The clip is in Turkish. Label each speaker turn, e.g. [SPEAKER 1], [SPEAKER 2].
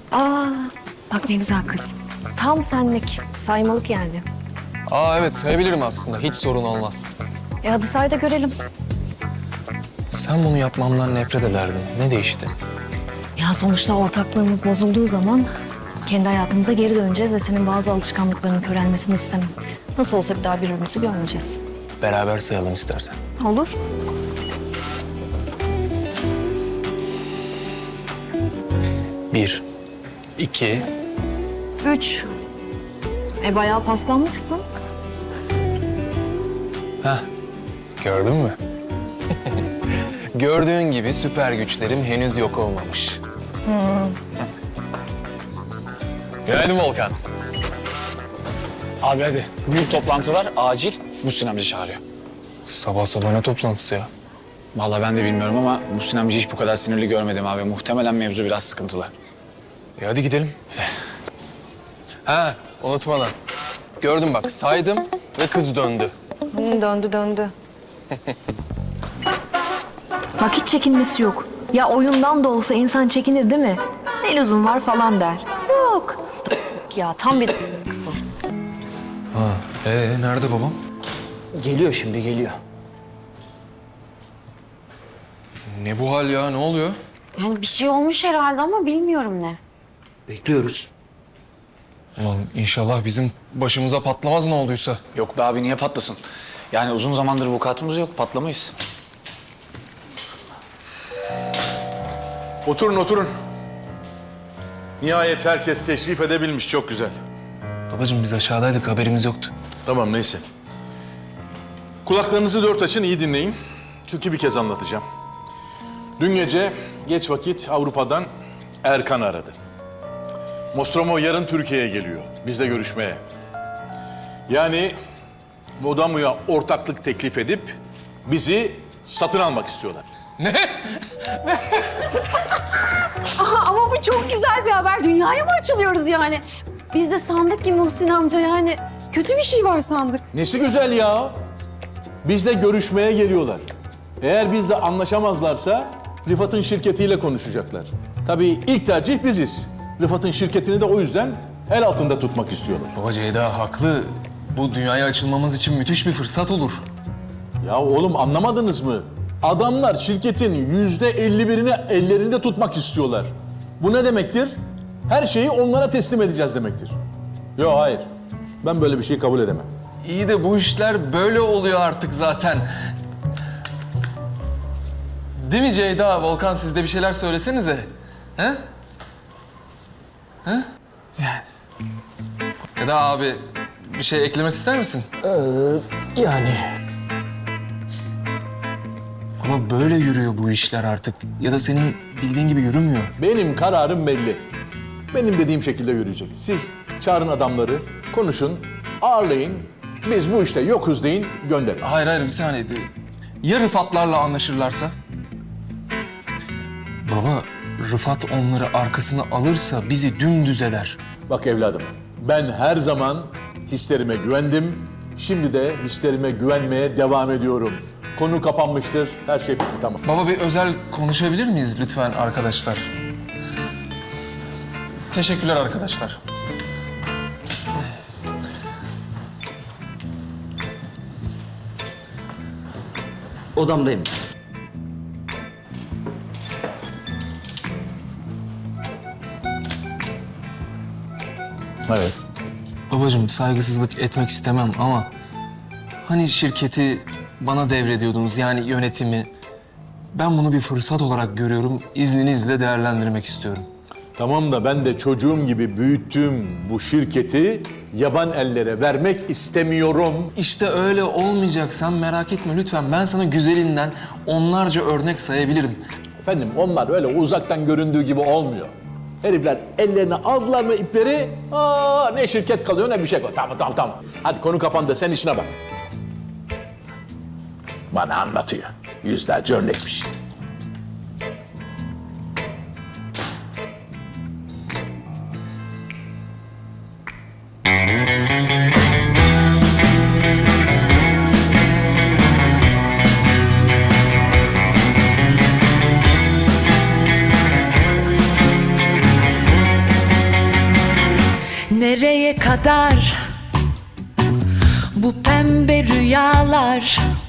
[SPEAKER 1] Aa, bak ne güzel kız. Tam senlik, saymalık yani.
[SPEAKER 2] Aa evet sayabilirim aslında. Hiç sorun olmaz.
[SPEAKER 1] Hadi say da görelim.
[SPEAKER 2] Sen bunu yapmamdan nefret ederdin. Ne değişti?
[SPEAKER 1] Ya sonuçta ortaklığımız bozulduğu zaman kendi hayatımıza geri döneceğiz ve senin bazı alışkanlıklarının körelmesini istemem. Nasıl olsa bir daha birbirimizi görmeyeceğiz.
[SPEAKER 2] Beraber sayalım istersen.
[SPEAKER 1] Olur.
[SPEAKER 2] Bir, iki,
[SPEAKER 1] 3. Bayağı paslanmışsın.
[SPEAKER 2] heh. Gördün mü? Gördüğün gibi süper güçlerim henüz yok olmamış. Günaydın Volkan.
[SPEAKER 3] Abi hadi. Büyük toplantı var. Acil. Muhsin amca çağırıyor.
[SPEAKER 2] Sabah sabah ne toplantısı ya?
[SPEAKER 3] Vallahi ben de bilmiyorum ama Muhsin amca hiç bu kadar sinirli görmedim abi. Muhtemelen mevzu biraz sıkıntılı.
[SPEAKER 2] Hadi gidelim. Ha unutmadan. Gördüm bak saydım ve kız döndü.
[SPEAKER 1] Döndü. Bak hiç çekinmesi yok. Ya oyundan da olsa insan çekinir değil mi? Ne lüzum var falan der. Yok. Ya tam bir kızsın.
[SPEAKER 2] Nerede babam?
[SPEAKER 4] Geliyor şimdi, geliyor.
[SPEAKER 2] Ne bu hal ya? Ne oluyor?
[SPEAKER 5] Yani bir şey olmuş herhalde ama bilmiyorum ne.
[SPEAKER 4] Bekliyoruz.
[SPEAKER 2] Ulan inşallah bizim başımıza patlamaz ne olduysa.
[SPEAKER 3] Yok be abi niye patlasın? Yani uzun zamandır vukuatımız yok. Patlamayız.
[SPEAKER 6] Oturun, oturun. Nihayet herkes teşrif edebilmiş, çok güzel.
[SPEAKER 2] Babacığım biz aşağıdaydık haberimiz yoktu.
[SPEAKER 6] Tamam, neyse. Kulaklarınızı dört açın, iyi dinleyin. Çünkü bir kez anlatacağım. Dün gece geç vakit Avrupa'dan Erkan aradı. Nostromo yarın Türkiye'ye geliyor, bizle görüşmeye. Yani Modamu'ya ortaklık teklif edip bizi satın almak istiyorlar.
[SPEAKER 5] Ama bu çok güzel bir haber. Dünyaya mı açılıyoruz yani? Biz de sandık ki Muhsin amca yani kötü bir şey var sandık.
[SPEAKER 6] Nesi güzel ya? Bizle görüşmeye geliyorlar. Eğer bizle anlaşamazlarsa Rıfat'ın şirketiyle konuşacaklar. Tabii ilk tercih biziz. Rıfat'ın şirketini de o yüzden el altında tutmak istiyorlar.
[SPEAKER 2] Baba Ceyda haklı. Bu dünyaya açılmamız için müthiş bir fırsat olur.
[SPEAKER 6] Ya oğlum anlamadınız mı? Adamlar şirketin %51'ini ellerinde tutmak istiyorlar. Bu ne demektir? Her şeyi onlara teslim edeceğiz demektir. Yok hayır. Ben böyle bir şey kabul edemem.
[SPEAKER 2] İyi de bu işler böyle oluyor artık zaten. Değil mi Ceyda? Volkan siz de bir şeyler söylesenize. He? He? Yani. Ya da abi bir şey eklemek ister misin?
[SPEAKER 4] Yani
[SPEAKER 2] Ama böyle yürüyor bu işler artık. Ya da senin bildiğin gibi yürümüyor.
[SPEAKER 6] Benim kararım belli. Benim dediğim şekilde yürüyecek. Siz çağırın adamları, konuşun, ağırlayın. Biz bu işte yokuz deyin, gönderin.
[SPEAKER 2] Hayır bir saniye. Ya Rıfatlarla anlaşırlarsa? Baba Rıfat onları arkasına alırsa bizi dümdüz eder.
[SPEAKER 6] Bak evladım, ben her zaman hislerime güvendim. Şimdi de hislerime güvenmeye devam ediyorum. Konu kapanmıştır, her şey bitti, tamam.
[SPEAKER 2] Baba bir özel konuşabilir miyiz lütfen arkadaşlar? Teşekkürler arkadaşlar.
[SPEAKER 4] odamdayım.
[SPEAKER 6] Evet.
[SPEAKER 2] Babacığım saygısızlık etmek istemem ama hani şirketi bana devrediyordunuz yani yönetimi. Ben bunu bir fırsat olarak görüyorum. İzninizle değerlendirmek istiyorum.
[SPEAKER 6] Tamam da ben de çocuğum gibi büyüttüğüm bu şirketi yaban ellere vermek istemiyorum.
[SPEAKER 2] İşte öyle olmayacak. Sen merak etme lütfen. Ben sana güzelinden onlarca örnek sayabilirim.
[SPEAKER 6] Efendim onlar öyle uzaktan göründüğü gibi olmuyor. Herifler ellerine aldılar mı ipleri, ne şirket kalıyor ne bir şey kalıyor. Tamam. Hadi konu kapandı, sen işine bak. Bana anlatıyor. Yüzlerce örnekmiş.
[SPEAKER 7] Nereye kadar bu pembe rüyalar?